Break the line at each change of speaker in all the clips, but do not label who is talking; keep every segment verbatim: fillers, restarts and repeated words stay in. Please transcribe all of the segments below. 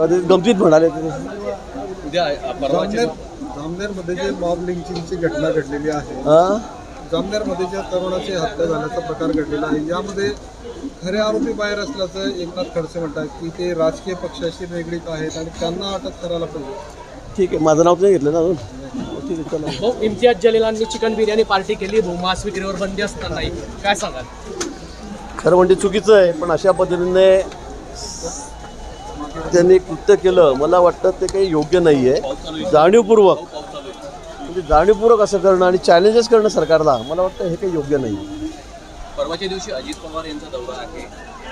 कधी गमतीत म्हणाले
उद्या परवाच्या
जामनेरमध्ये जे मॉब लिंचिंगची घटना घडलेली आहे,
हां
जामनेरमध्ये ज्या तरुणाची हत्या झाल्याचा प्रकार घडलेला आहे, यामध्ये खरे आरोपी बाहेर असल्याचं एकनाथ खडसे म्हणतात की ते राजकीय पक्षाशी निगडीत आहेत आणि त्यांना अटक करायला पाहिजे.
ठीक आहे, माझं नाव नाही घेतलं ना अजून. ठीक आहे, चला.
भाऊ, इम्तियाज जलीलांनी चिकन बिर्याणी पार्टी केली भाऊ, मांस विक्रीवर बंदी असतानाही काय सांगाल?
खरं म्हणजे चुकीचं आहे, पण अशा पद्धतीने त्यांनी कृत्य केलं, मला वाटतं ते काही योग्य नाही आहे. जाणीवपूर्वक म्हणजे जाणीवपूर्वक असं करणं आणि चॅलेंजेस करणं सरकारला, मला वाटतं हे काही योग्य नाही.
परवाच्या दिवशी अजित पवार यांचा दौरा आहे,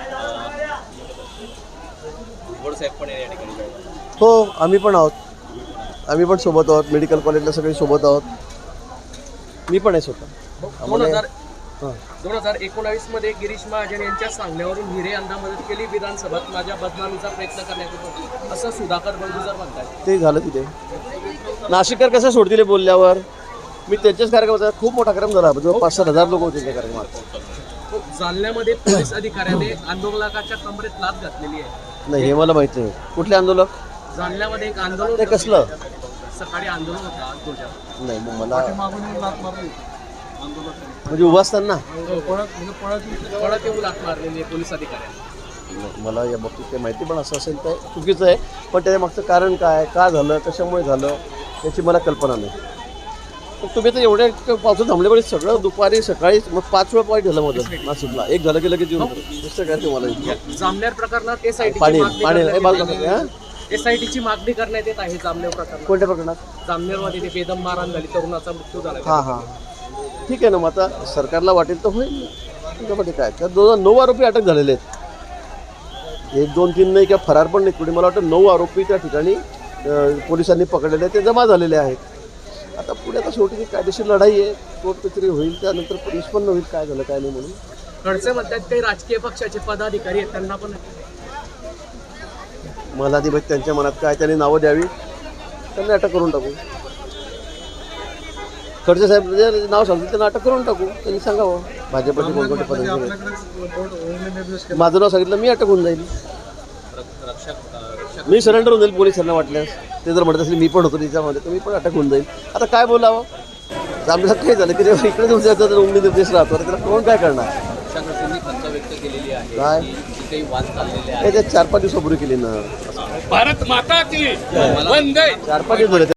भुजबळ साहेब पण या ठिकाणी जाणार.
हो, आम्ही पण आहोत, आम्ही पण सोबत आहोत. मेडिकल कॉलेजला सगळे सोबत आहोत. मी पण आहे स्वतः.
दोन हजार
हां
दोन हजार एकोणावीस मध्ये गिरीश महाजन यांच्या सांगण्यावरून हिरे यांना मदत केली, विधानसभेत माझ्या बदनामीचा प्रयत्न करण्यात येतो असं सुधाकर बंडुजर म्हणतात.
ते झालं तिथे. नाशिककर कसं सोडतील बोलल्यावर? मी त्यांच्याच कार्यक्रमाचा खूप मोठा कार्यक्रम झाला, जवळ पाच सात हजार लोक होते त्या कार्यक्रमात.
जालन्यामध्ये पोलीस अधिकाऱ्याने आंदोलकाच्या कमरेत लाथ घातलेली आहे.
नाही, हे मला माहित नाही. कुठले आंदोलक?
जालन्यामध्ये एक आंदोलन
ते कसलं?
सकाळी आंदोलन होतं.
नाही, मग मला
मागून येऊन लाथ मारली आंदोलन,
म्हणजे उभा असताना
पळत म्हणजे पळत
पळत येऊन लाथ मारलेली आहे पोलीस अधिकाऱ्यांनी.
नाही, मला या बाबतीत काही माहिती पण असं असेल तर चुकीचं आहे, पण त्याच्या मागचं कारण काय, का झालं, कशामुळे झालं याची मला कल्पना नाही. पण तुम्ही तर एवढ्या पावसात थांबल्यामुळे सगळं दुपारी सकाळी मग पाच वेळा पॉईंट झालं माझं नाशिकला. एक झालं की लगेच येऊन दुसरं काय तुम्हाला
जामनेर प्रकारणात एसआयटी
पाणी पाणी हे बाजूला करते, हां?
एसआयटीची मागणी करण्यात येत आहे जामनेर प्रकरणात.
कोणत्या प्रकरणात?
जामनेरमध्ये ते बेदम मारहाण झाली, तरुणाचा मृत्यू झाला.
हां हां ठीक आहे ना, मग आता सरकारला वाटेल तर होईल. त्याच्यामध्ये काय, त्या दोन नऊ आरोपी अटक झालेले आहेत. एक दोन तीन नाही किंवा फरार पण नाही कुठे. मला वाटतं नऊ आरोपी त्या ठिकाणी अं, पोलिसांनी पकडलेले आहेत, ते जमा झालेले आहेत. आता पुढे आता शेवटी कायदेशीर लढाई आहे, कोर्ट कचेरी होईल, त्यानंतर निष्पन्न होईल काय झालं काय नाही म्हणून.
खडसे म्हणतात काही राजकीय पक्षाचे पदाधिकारी आहेत, त्यांना पण
मला ती त्यांच्या मनात काय त्यांनी नावं द्यावी, त्यांनी अटक करून टाकू. खडसे साहेब जे नाव सांगतील त्यांना अटक करून टाकू. त्यांनी सांगावं भाजपचे कोणकोणते पदाधिकारी आहेत.
आपल्याकडे निर्देश केला.
माझं नाव सांगितलं मी अटक होऊन जाईल. मी सरेंडर होऊन जाईल पोलिसांना वाटल्यास. ते जर म्हणत असेल मी पण होतो त्याच्यामध्ये तर मी पण अटक होऊन जाईल. आता काय बोलावं? आमच्या काय झालं की जेव्हा इकडे तुमच्या जर उमदी निर्देश राहतो त्याला कोण काय करणार?
खंत व्यक्त केलेली आहे
काय
की काही वाद चाललेले
हे ते चार पाच दिवसापूर्वी केली ना.
भारत माता की
चार पाच दिवस झाले.